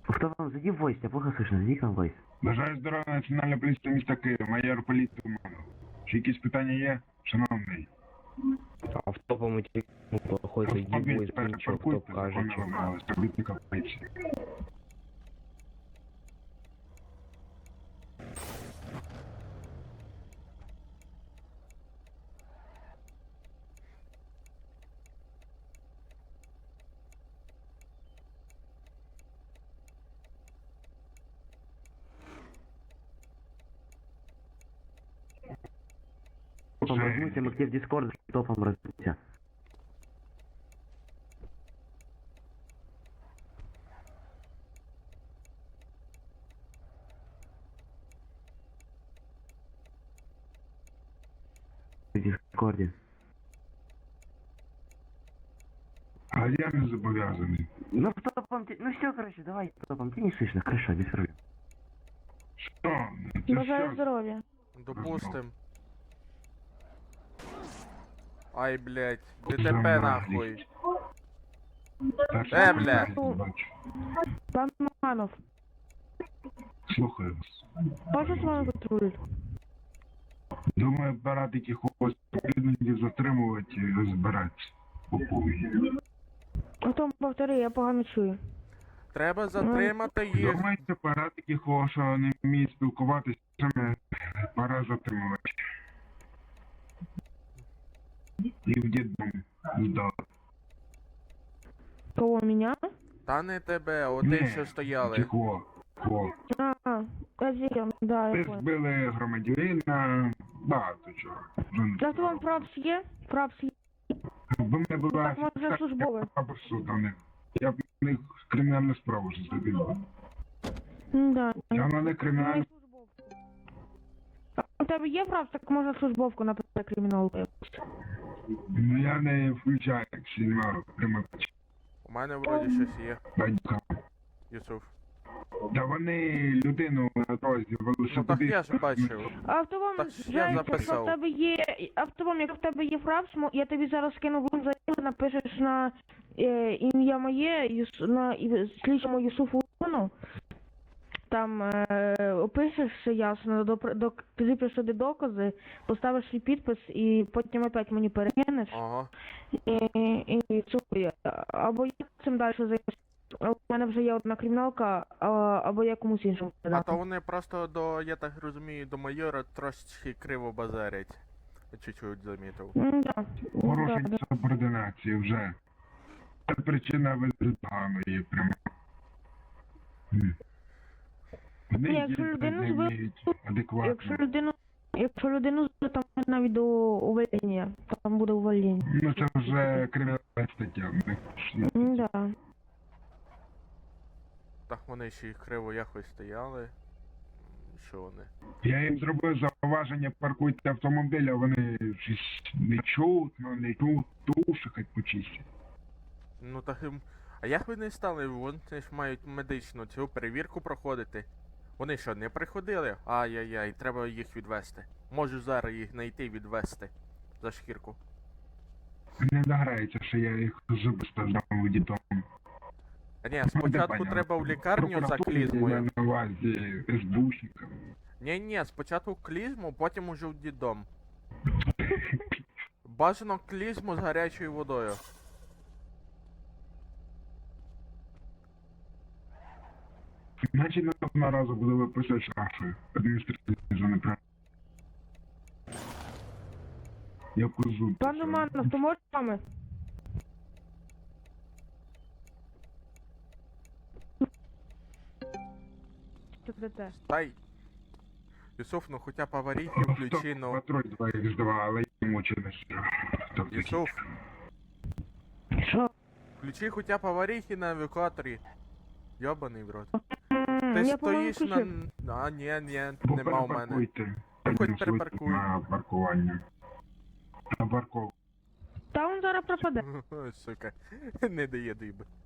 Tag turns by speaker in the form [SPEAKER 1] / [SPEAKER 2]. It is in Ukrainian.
[SPEAKER 1] Хто вам зайди в войс, я плохо слышно, зайди к нам в войс.
[SPEAKER 2] Бажаю здоров'я, Національна поліція міста Києва, майор поліції Туманов. Чи якісь питання є, шановний?
[SPEAKER 3] Автопом идти плохой зайди в войс, ничего, кто
[SPEAKER 2] Паркуйте,
[SPEAKER 3] каже,
[SPEAKER 2] законно
[SPEAKER 3] чё.
[SPEAKER 2] вимагали співробітника поліції.
[SPEAKER 1] Топом размуйте, мы где в дискорд, топом размуйте. В дискорде.
[SPEAKER 2] А я не зобов'язаний.
[SPEAKER 1] Ну топом, ну все, короче, давай топом, ты не слышно, хорошо, без проблем.
[SPEAKER 2] Що? Це
[SPEAKER 4] Бажаю
[SPEAKER 2] що?
[SPEAKER 4] здоров'я.
[SPEAKER 5] Допустим. Ай, блядь.
[SPEAKER 2] За
[SPEAKER 5] ДТП
[SPEAKER 2] наглість.
[SPEAKER 5] нахуй.
[SPEAKER 2] Перший
[SPEAKER 5] бля.
[SPEAKER 2] раз бачу.
[SPEAKER 4] Пан Манов,
[SPEAKER 2] Слухаю вас.
[SPEAKER 4] можу з вами патруль?
[SPEAKER 2] Думаю, парад якихось спільників затримувати і розбиратися. по повні.
[SPEAKER 4] Потім повтори, я погано чую.
[SPEAKER 5] Треба затримати їх.
[SPEAKER 2] Думаєте, парад якихось, що не вміють спілкуватися, саме пора затримувати. І в дідом здати.
[SPEAKER 4] Кого, меня?
[SPEAKER 5] Та не тебе, оти, що стояли.
[SPEAKER 2] Тихо.
[SPEAKER 4] Один, да, я
[SPEAKER 2] Ви
[SPEAKER 4] понял.
[SPEAKER 2] збили громадянина, багато чого.
[SPEAKER 4] Так вам прапс є? Прапс є?
[SPEAKER 2] Бо мене була
[SPEAKER 4] Так, може, службове.
[SPEAKER 2] або суд, а не. Я б в них кримінальну справу вже зробив.
[SPEAKER 4] Да.
[SPEAKER 2] Я в мене кримінальну.
[SPEAKER 4] А у тебе є прапс, так може службовку написати криміналку.
[SPEAKER 2] Ну я не включаю, якщо немає примикача.
[SPEAKER 5] У мене вроді щось є.
[SPEAKER 2] Батька.
[SPEAKER 5] Юсуф.
[SPEAKER 2] Та вони людину на дорозі
[SPEAKER 5] Ну так
[SPEAKER 2] велосипедист.
[SPEAKER 5] я ж бачив.
[SPEAKER 4] Автомом,
[SPEAKER 5] Так ж я
[SPEAKER 4] Жень, якщо
[SPEAKER 5] записав.
[SPEAKER 4] в тебе є автомом, якщо в тебе є фрапс, я тобі зараз скину в заяву, напишеш на ім'я моє, на слідчому Юсуфу Луну. Там опишеш все ясно, ти сюди докази, поставиш свій підпис і потім опять мені перекинеш.
[SPEAKER 5] Ага.
[SPEAKER 4] І цукує. Або я цим далі займуся. У мене вже є одна криміналка, або я комусь іншому
[SPEAKER 5] А
[SPEAKER 4] передати.
[SPEAKER 5] то вони просто до, я так розумію, до майора трошечки криво базарять. Я чуть-чуть замітив.
[SPEAKER 4] Да.
[SPEAKER 2] Порушень субординації вже. Це причина визнання прямо. Вони
[SPEAKER 4] Ні, якщо
[SPEAKER 2] дійсно
[SPEAKER 4] людину
[SPEAKER 2] не
[SPEAKER 4] збили-
[SPEAKER 2] вміють адекватно.
[SPEAKER 4] Якщо людину збили, там навіть до увольнення. Там буде увольнення.
[SPEAKER 2] Ну це вже кримінальна стаття.
[SPEAKER 4] Да.
[SPEAKER 5] Так вони ще й криво якось стояли. Що вони?
[SPEAKER 2] Я їм зробив зауваження, паркуйте автомобіль, а вони щось не чутно, не тут, туші хоч почистять.
[SPEAKER 5] Ну так їм. А як ви не стали? Вони ж мають медичну цю перевірку проходити. Вони що, не приходили? Ай-яй-яй, треба їх відвести. Можу зараз їх знайти і відвести. За шкірку.
[SPEAKER 2] Не дограється, що я їх зуби здам в дітом.
[SPEAKER 5] А ні, спочатку треба в лікарню за клізмою.
[SPEAKER 2] На увазі СБУшникам.
[SPEAKER 5] Ні, спочатку клізму, потім уже в дідом. Бажано клізму з гарячою водою.
[SPEAKER 2] Значить, наступного разу буду виписати штрафи адміністративні за неправильно. Я козу.
[SPEAKER 4] Пан Романов, то можеш з вами? Що це?
[SPEAKER 5] Тай. Юсуф, ну хоча б аварійки включи, ну.
[SPEAKER 2] Патруль 2х2, але йому чи не що.
[SPEAKER 5] Юсуф,
[SPEAKER 4] Що?
[SPEAKER 5] включи хоча б аварійки на евакуаторі. Йобаний в рот.
[SPEAKER 4] Я,
[SPEAKER 5] Ти
[SPEAKER 4] по-моєму,
[SPEAKER 5] стоїш на...
[SPEAKER 4] включив.
[SPEAKER 5] А, ні, нема у мене.
[SPEAKER 2] Перепаркуйте.
[SPEAKER 5] Ти хоч
[SPEAKER 2] Плюсуйте
[SPEAKER 5] перепаркуй.
[SPEAKER 2] На паркування. На парковку.
[SPEAKER 4] Та він зараз пропаде.
[SPEAKER 5] Сука, не дає диби.